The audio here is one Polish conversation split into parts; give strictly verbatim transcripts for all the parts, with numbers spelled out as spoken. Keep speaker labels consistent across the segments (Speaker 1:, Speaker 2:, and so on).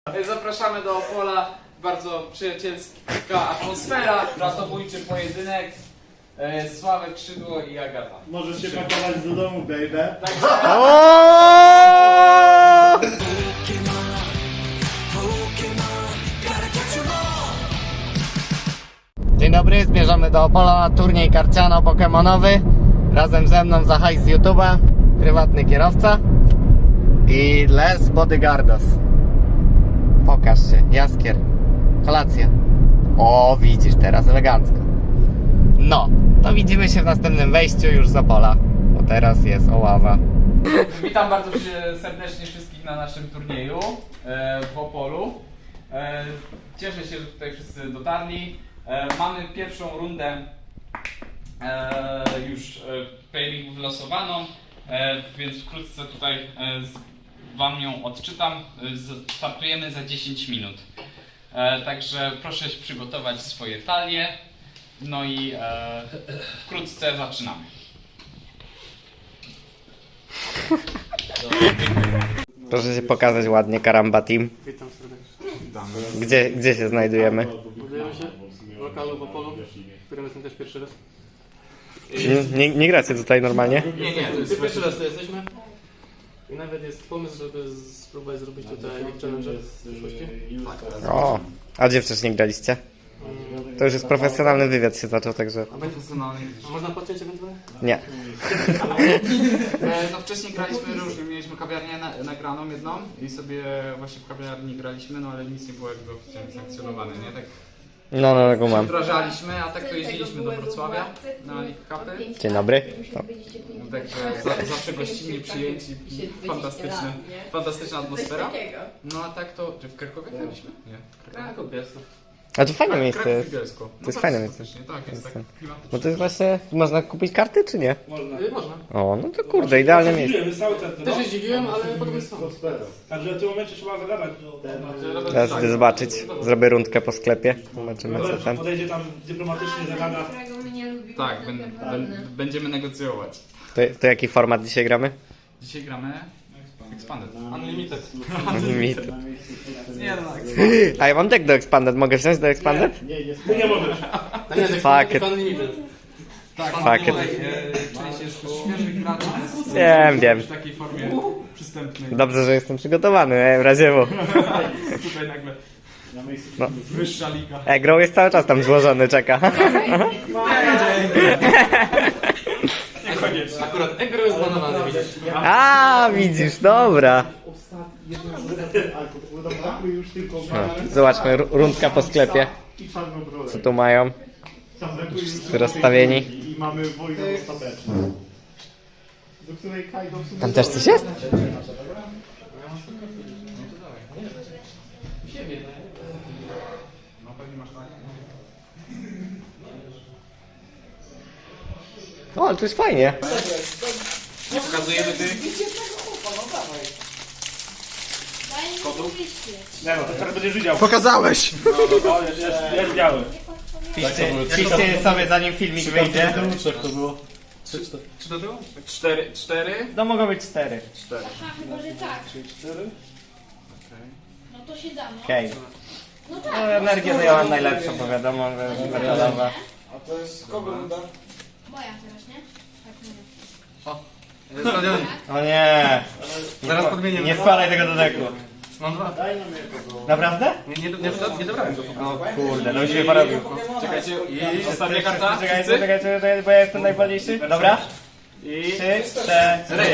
Speaker 1: Zapraszamy do Opola, bardzo przyjacielska atmosfera, ratowniczy pojedynek, e, Sławek Krzydło i Agata.
Speaker 2: Możesz się pakować do domu, baby.
Speaker 3: Dzień dobry, zmierzamy do Opola na turniej karciano-pokemonowy. Razem ze mną za hajs z YouTube'a prywatny kierowca i Les Bodyguardos. Pokaż się, Jaskier. Kolacja. O, widzisz teraz elegancko. No, to widzimy się w następnym wejściu już z Opola, bo teraz jest Oława.
Speaker 1: Witam bardzo serdecznie wszystkich na naszym turnieju e, w Opolu. E, cieszę się, że tutaj wszyscy dotarli. E, mamy pierwszą rundę e, już e, playlingu wylosowaną, e, więc wkrótce tutaj e, z, Wam ją odczytam. E, startujemy za dziesięć minut. E, także proszę się przygotować swoje talie. No i e, wkrótce zaczynamy.
Speaker 3: Proszę się pokazać ładnie, Karamba Team.
Speaker 4: Witam serdecznie.
Speaker 3: Gdzie, gdzie się znajdujemy?
Speaker 4: Budujemy się w lokalu w Opolu, w którym jestem też pierwszy raz.
Speaker 3: Nie, nie, nie gracie tutaj normalnie?
Speaker 1: Nie, nie, to jest
Speaker 4: Ty pierwszy raz tu jesteśmy. I nawet jest pomysł, żeby spróbować zrobić tutaj League Challenge w przyszłości.
Speaker 3: O, a gdzie wcześniej graliście? To już jest profesjonalny wywiad się zaczął, także
Speaker 4: A będzie A można podciąć ewentualnie?
Speaker 3: nie.
Speaker 1: E, no wcześniej graliśmy różnie, mieliśmy kawiarnię na, nagraną jedną i sobie właśnie w kawiarni graliśmy, no ale nic nie było jakby oficjalnie sankcjonowane, nie? Tak
Speaker 3: No, no, no, mam.
Speaker 1: wdrażaliśmy, a tak to jeździliśmy do Wrocławia na League Cupy.
Speaker 3: Dzień dobry. No.
Speaker 1: No, także za, zawsze gościnnie przyjęci, fantastyczne, fantastyczna atmosfera. No a tak to, czy w Krakowie graliśmy? Nie.
Speaker 4: Kraków jest.
Speaker 3: A to fajne miejsce
Speaker 1: Kraków
Speaker 3: jest.
Speaker 1: i Bielsko.
Speaker 3: To jest
Speaker 1: tak,
Speaker 3: fajne miejsce.
Speaker 1: faktycznie, Tak, jest tak klimatyczne.
Speaker 3: Bo to jest właśnie, można kupić karty czy nie?
Speaker 4: Y, Można.
Speaker 3: O, no to kurde, idealne miejsce.
Speaker 5: Dziwiłem, cały czas, no.
Speaker 4: Też się zdziwiłem, ale podobny są.
Speaker 5: Także w tym momencie trzeba zagadać.
Speaker 3: Teraz idę zobaczyć, zrobię rundkę po sklepie, zobaczymy co tam.
Speaker 5: Podejdzie tam dyplomatycznie, zagada.
Speaker 1: Tak, ben, ben, będziemy negocjować.
Speaker 3: To, to jaki format dzisiaj gramy?
Speaker 1: Dzisiaj gramy Expanded.
Speaker 4: Unlimited.
Speaker 3: Limit.
Speaker 1: Nie no,
Speaker 3: A ja mam deck do Expanded, mogę wziąć do Expanded?
Speaker 2: Nie, nie,
Speaker 5: Ty nie możesz.
Speaker 4: To nie jest
Speaker 3: Fuck it.
Speaker 4: Unlimited.
Speaker 1: tak,
Speaker 3: Fuck it.
Speaker 1: tutaj e, część jest świeżych graczy, więc
Speaker 3: Wiem, wiem.
Speaker 1: w takiej formie przystępnej.
Speaker 3: Dobrze, że jestem przygotowany, e, w razie bo.
Speaker 1: Tutaj nagle
Speaker 3: No.
Speaker 1: wyższa liga.
Speaker 3: E-Grow jest cały czas tam złożony, czeka.
Speaker 4: Akurat Egro jest zbanowany, widzisz.
Speaker 3: A, widzisz, dobra.
Speaker 2: już tylko
Speaker 3: Zobaczmy, ru- rundka po sklepie.
Speaker 2: i czarną brodę.
Speaker 3: Co tu mają?
Speaker 2: Tam brakuje już
Speaker 3: Wszyscy rozstawieni.
Speaker 2: I mamy wojnę ostateczną. Do której Kaido w sumie...
Speaker 3: Tam też coś jest?
Speaker 1: No pewnie masz tak.
Speaker 3: O, ale to jest fajnie.
Speaker 1: Nie pokazujemy ty.
Speaker 5: Nie no, to teraz będziesz widział.
Speaker 3: Pokazałeś!
Speaker 5: O, jest, jest, jest biały.
Speaker 3: Piszcie, piszcie sobie zanim filmik wyjdzie.
Speaker 1: Czy do tyłu? Cztery. Cztery?
Speaker 3: No mogą być cztery.
Speaker 1: Cztery.
Speaker 6: Chyba, że tak. No to się da, no.
Speaker 3: Okej.
Speaker 6: No
Speaker 3: No,
Speaker 6: tak.
Speaker 3: energię to ja mam najlepszą, bo wiadomo, że metalowa.
Speaker 6: Moja teraz, nie? Tak, mówię.
Speaker 3: O nie!
Speaker 4: Zaraz podmienię.
Speaker 3: Nie wkładaj tego do deku.
Speaker 4: Mam dwa.
Speaker 3: Naprawdę?
Speaker 4: Nie, nie, nie, nie dobrałem go.
Speaker 3: O kurde, no już mnie porobił.
Speaker 1: Czekajcie, i ostatnia karta.
Speaker 3: Czekajcie,
Speaker 1: Wszyscy?
Speaker 3: czekajcie, czekajcie, bo ja jestem najwolniejszy. Dobra? I trzy, cztery.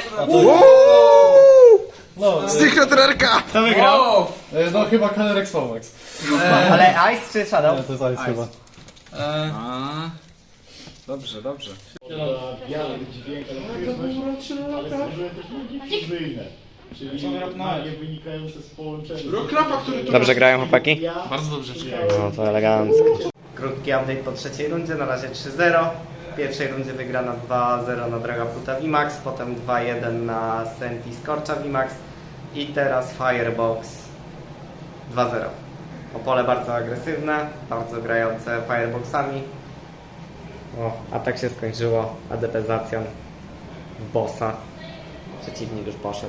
Speaker 7: Secretrerka!
Speaker 3: Kto wygrał?
Speaker 1: O!
Speaker 7: No chyba Canerex Fomax.
Speaker 3: Ale Ice czy Shadow?
Speaker 7: To jest Ice chyba.
Speaker 1: A, dobrze, dobrze.
Speaker 2: Biały dźwięk, ale stworzyłem też luki podwójne. Czyli magie wynikające z połączenia.
Speaker 3: Dobrze grają chłopaki?
Speaker 1: Bardzo dobrze.
Speaker 3: No to elegancko. Krótki update po trzeciej rundzie, na razie trzy zero. W pierwszej rundzie wygrana dwa zero na Dragaputa VMAX, potem dwa jeden na Senti Scorcha VMAX i teraz Firebox dwa zero. Opole bardzo agresywne, bardzo grające Fireboxami. O, a tak się skończyło A D P-zacją w bossa. Przeciwnik już poszedł.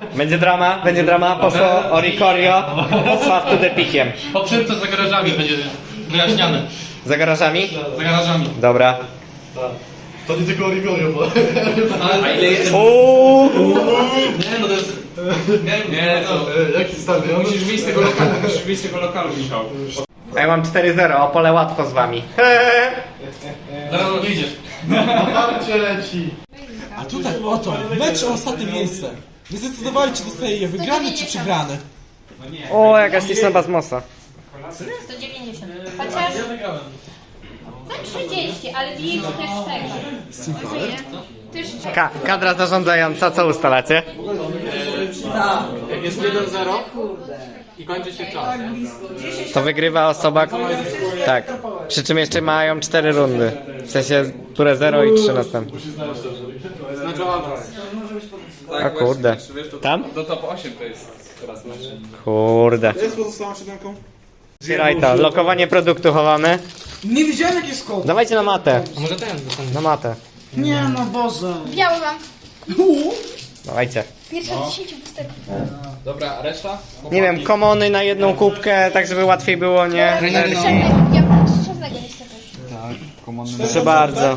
Speaker 3: Będzie drama, będzie drama, poszło Oricorio, Sław tu depikiem.
Speaker 4: Poprzednio za garażami będzie wyjaśniane.
Speaker 3: Za garażami?
Speaker 4: Za garażami.
Speaker 3: Dobra.
Speaker 7: To nie tylko Origorio, bo...
Speaker 4: A ile jest?
Speaker 3: Uuu.
Speaker 4: Nie, no to jest... Nie, nie, to...
Speaker 7: Jaki stadion?
Speaker 1: Musisz wyjść z tego lokalu, musisz wyjść z tego lokalu, Michał.
Speaker 3: A ja mam cztery zero, Opole łatwo z wami.
Speaker 4: Zaraz wyjdziesz.
Speaker 7: Na parcie leci.
Speaker 8: A tutaj oto, mecz o ostatnie miejsce. Nie zdecydowali, czy dostaje je wygrany, czy przegrany.
Speaker 3: O, jakaś liczna basmosa.
Speaker 6: sto dziewięćdziesiąt. Chociaż za trzydzieści, ale widzisz też tego. Też
Speaker 3: Ka kadra zarządzająca, co ustalacie?
Speaker 4: Jak jest jeden zero i kończy się czas.
Speaker 3: To wygrywa osoba... Tak. Przy czym jeszcze mają cztery rundy. W sensie turę zero i trzy następne.
Speaker 4: Znaczy awans.
Speaker 3: A kurde. Tam?
Speaker 1: Do top osiem to jest teraz mecz.
Speaker 3: Kurde.
Speaker 8: jest pozostałą siódemką?
Speaker 3: Otwieraj to. Lokowanie produktu chowamy.
Speaker 8: Nie widziałem jaki jest kod.
Speaker 3: Dawajcie na matę.
Speaker 4: A może ten dostanie?
Speaker 3: Na matę.
Speaker 8: Nie no Boże.
Speaker 6: biały mam.
Speaker 3: Dawajcie.
Speaker 6: Pierwsza z dziesięciu pustek.
Speaker 1: Dobra, a reszta?
Speaker 3: Nie wiem, komony na jedną kubkę, tak żeby łatwiej było, nie?
Speaker 6: Czarnego, ja mam czarnego niestety.
Speaker 3: Proszę bardzo.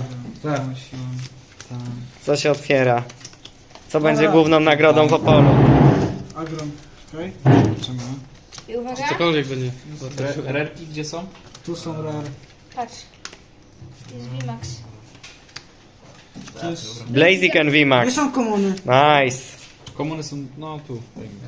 Speaker 3: Co się otwiera? Co będzie główną nagrodą w Opolu?
Speaker 8: Agron. Okej.
Speaker 6: I uwaga,
Speaker 4: Cokolwiek będzie.
Speaker 1: Rerki gdzie są?
Speaker 8: Tu są rare.
Speaker 6: patrz. Jest V-Max.
Speaker 8: To jest...
Speaker 3: Blazik and
Speaker 8: Nie
Speaker 3: VMAX.
Speaker 8: są komuny.
Speaker 3: Nice.
Speaker 1: Komuny są, no tu.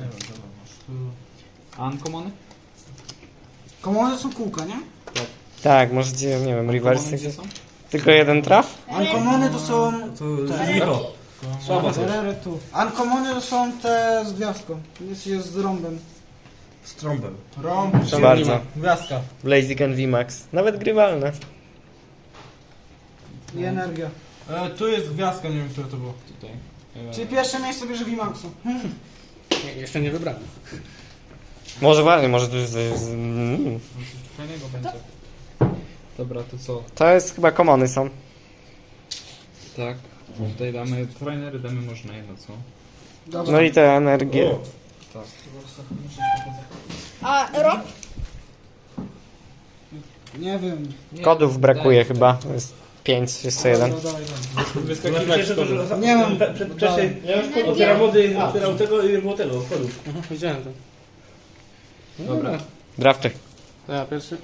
Speaker 1: Uncommony?
Speaker 8: Komuny są kółka, nie?
Speaker 3: Tak, możecie, nie wiem, reverse.
Speaker 1: Komuny gdzie są?
Speaker 3: Tylko jeden traf?
Speaker 8: Uncommony to są... te... Słabo to. Rare tu. Uncommony to są te z gwiazdką. Jest, jest z rąbem.
Speaker 7: Z trąbem.
Speaker 8: Rąb.
Speaker 3: Proszę bardzo.
Speaker 8: Gwiazdka.
Speaker 3: Blazik and VMAX. Nawet grywalne.
Speaker 8: I energia. E, tu jest gwiazdka, nie wiem które to było.
Speaker 1: Tutaj.
Speaker 8: Czyli pierwsze miejsce bierze V-Maxu. Hmm.
Speaker 4: Jeszcze nie wybrałem.
Speaker 3: Może właśnie, może tu jest... jest- mm.
Speaker 1: Fajnego będzie. Dobra, to co?
Speaker 3: To jest chyba komony są.
Speaker 1: Tak. Tutaj damy, trainery damy może na jedno, co?
Speaker 8: Dobra.
Speaker 3: No i te energie.
Speaker 6: A rok?
Speaker 8: Nie wiem.
Speaker 3: Kodów brakuje chyba. To jest pięć, jeszcze jeden.
Speaker 8: Dobra, dawaj, dawaj.
Speaker 5: Wyskakiwać z kodu.
Speaker 8: Nie mam.
Speaker 5: Wcześniej otwieram mody, otwierał tego i nie było tego, kodów.
Speaker 4: Aha, widziałem to.
Speaker 1: Dobra.
Speaker 3: Drafty.
Speaker 4: To ja pierwszy.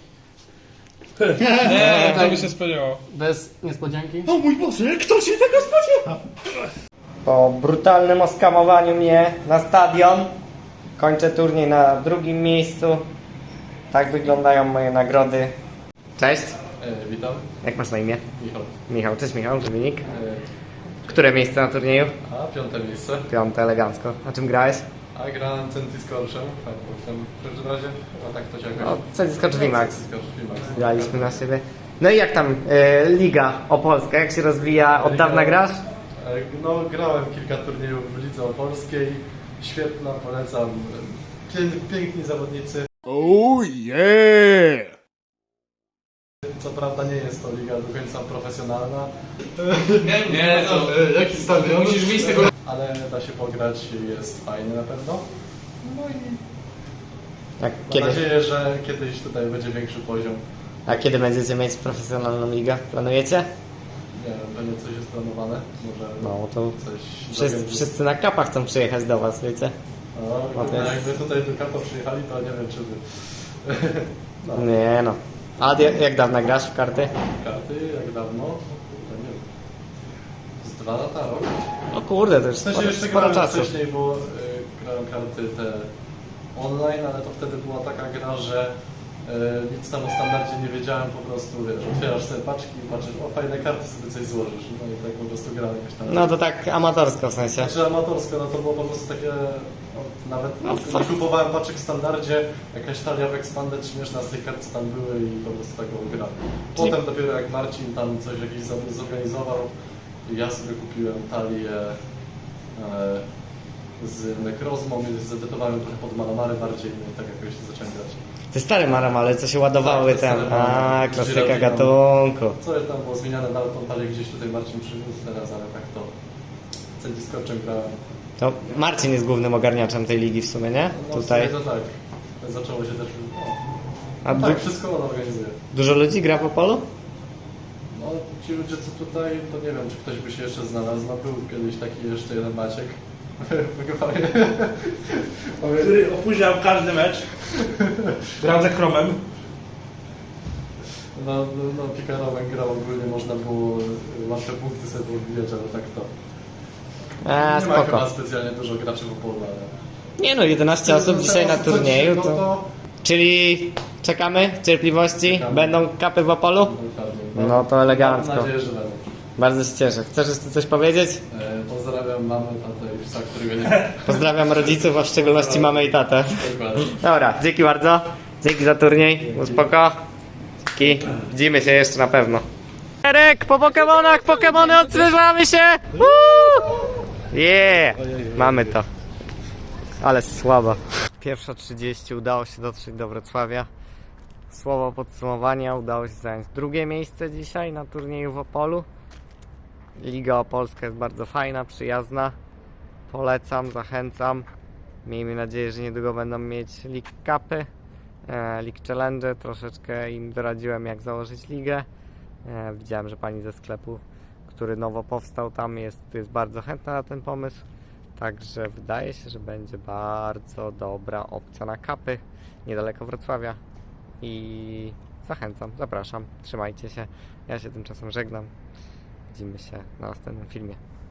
Speaker 1: Nie, to by się spodziewało.
Speaker 4: Bez niespodzianki.
Speaker 7: O mój Boże, kto się tego spodziewa?
Speaker 3: Po brutalnym oskamowaniu mnie na stadion kończę turniej na drugim miejscu. Tak wyglądają moje nagrody. Cześć.
Speaker 7: E, witam,
Speaker 3: Jak masz na imię?
Speaker 7: Michał.
Speaker 3: Michał, cześć Michał, Dominik.
Speaker 7: E,
Speaker 3: Które miejsce na turnieju?
Speaker 7: a piąte miejsce.
Speaker 3: Piąte, elegancko. Na czym grałeś?
Speaker 7: A grałem Centy z Korszem. Fajnie, w każdym razie, a tak to się jakoś...
Speaker 3: O, Centy VMAX.
Speaker 7: Centy z VMAX.
Speaker 3: Graliśmy na siebie. No i jak tam e, Liga Opolska, jak się rozwija? Od dawna grasz?
Speaker 7: E, no, grałem kilka turniejów w Lidze Opolskiej. Świetna, polecam. Pię, piękni zawodnicy.
Speaker 8: Oh yeah!
Speaker 7: Co prawda nie jest to liga do końca profesjonalna,
Speaker 1: Nie, nie, to...
Speaker 7: jaki stadion?
Speaker 1: Musisz wyjść z tego...
Speaker 7: Ale da się pograć, jest fajnie na pewno. No i
Speaker 3: Jak,
Speaker 7: mam
Speaker 3: kiedy,
Speaker 7: nadzieję, że kiedyś tutaj będzie większy poziom.
Speaker 3: a kiedy będziecie mieć profesjonalną ligę? Planujecie?
Speaker 7: Nie wiem, pewnie coś jest planowane. Może
Speaker 3: No to
Speaker 7: coś
Speaker 3: wszyscy,
Speaker 7: zorganizuję.
Speaker 3: wszyscy na kapach chcą przyjechać do was, wiecie?
Speaker 7: No,
Speaker 3: No to jest-
Speaker 7: jakby tutaj do Kapo przyjechali, to nie wiem czy by. No,
Speaker 3: Nie no. A jak, jak dawno grasz w karty?
Speaker 7: karty jak dawno? To nie wiem. Z dwa lata, rok?
Speaker 3: O kurde, to już
Speaker 7: W sensie
Speaker 3: sporo,
Speaker 7: jeszcze
Speaker 3: sporo
Speaker 7: grałem
Speaker 3: czasu.
Speaker 7: wcześniej, bo y, grałem karty te online, ale to wtedy była taka gra, że y, nic tam o standardzie nie wiedziałem, po prostu wiesz, otwierasz sobie paczki i patrzysz, o fajne karty, sobie coś złożysz. No i tak po prostu grałem jakoś tam.
Speaker 3: No to tak amatorsko w sensie.
Speaker 7: Znaczy amatorsko, no to było po prostu takie, no, nawet
Speaker 3: No,
Speaker 7: nie kupowałem paczek w standardzie, jakaś talia w Expanded śmieszna z tych kart, co tam były i po prostu taką gra. Potem dopiero jak Marcin tam coś jakiś za- zorganizował, ja sobie kupiłem talię e, z Necrozmą i zedytowałem trochę pod Malamary bardziej, no i tak jakoś zacząłem grać.
Speaker 3: Te stare maramale, co się ładowały
Speaker 7: Tak, te
Speaker 3: tam.
Speaker 7: stare maramale.
Speaker 3: A, klasyka
Speaker 7: Żyrafy tam.
Speaker 3: gatunku.
Speaker 7: Co tam było zmieniane, nawet tą talię gdzieś tutaj Marcin przywiózł teraz, ale tak to Centy z Korczem grałem.
Speaker 3: To Marcin jest głównym ogarniaczem tej ligi w sumie, nie?
Speaker 7: No,
Speaker 3: Tutaj.
Speaker 7: to tak. Zaczęło się też...
Speaker 3: A
Speaker 7: No,
Speaker 3: du
Speaker 7: tak, wszystko on organizuje.
Speaker 3: dużo ludzi gra w Opolu?
Speaker 7: No ci ludzie co tutaj, to nie wiem czy ktoś by się jeszcze znalazł. No był kiedyś taki jeszcze jeden Maciek.
Speaker 5: Który opóźniał każdy mecz. Grał za Chromem.
Speaker 7: No, no, no Pikarowen grał ogólnie, można było łatwe punkty sobie podbijać, ale tak to.
Speaker 3: A,
Speaker 7: Nie ma chyba
Speaker 3: spoko.
Speaker 7: specjalnie dużo graczy w Opolu, ale...
Speaker 3: Nie no, jedenaście osób dzisiaj na turnieju,
Speaker 7: No
Speaker 3: to... Czyli czekamy w cierpliwości?
Speaker 7: Czekamy.
Speaker 3: Będą kapy w Opolu?
Speaker 7: Dokładnie.
Speaker 3: No to elegancko.
Speaker 7: Mam nadzieję, że będą.
Speaker 3: Bardzo się cieszę. Chcesz jeszcze coś powiedzieć?
Speaker 7: E, pozdrawiam mamę, tatę i psa, którego nie
Speaker 3: Pozdrawiam rodziców, a w szczególności mamę i tatę.
Speaker 7: Dokładnie.
Speaker 3: Dobra, dzięki bardzo. Dzięki za turniej. Spoko. Dzięki. Widzimy się jeszcze na pewno. Erek, po Pokemonach, Pokemony odzyżamy się! Woo! Yeah! Mamy to. Ale słaba. Pierwsza trzydzieści udało się dotrzeć do Wrocławia. Słowo podsumowania, udało się zająć drugie miejsce dzisiaj na turnieju w Opolu. Liga Opolska jest bardzo fajna, przyjazna. Polecam, zachęcam. Miejmy nadzieję, że niedługo będą mieć League Cupy, e, League Challenge. Troszeczkę im doradziłem, jak założyć ligę. E, widziałem, że pani ze sklepu, który nowo powstał tam, jest, jest bardzo chętna na ten pomysł. Także wydaje się, że będzie bardzo dobra opcja na kapy niedaleko Wrocławia. I zachęcam, zapraszam, trzymajcie się. Ja się tymczasem żegnam. Widzimy się na następnym filmie.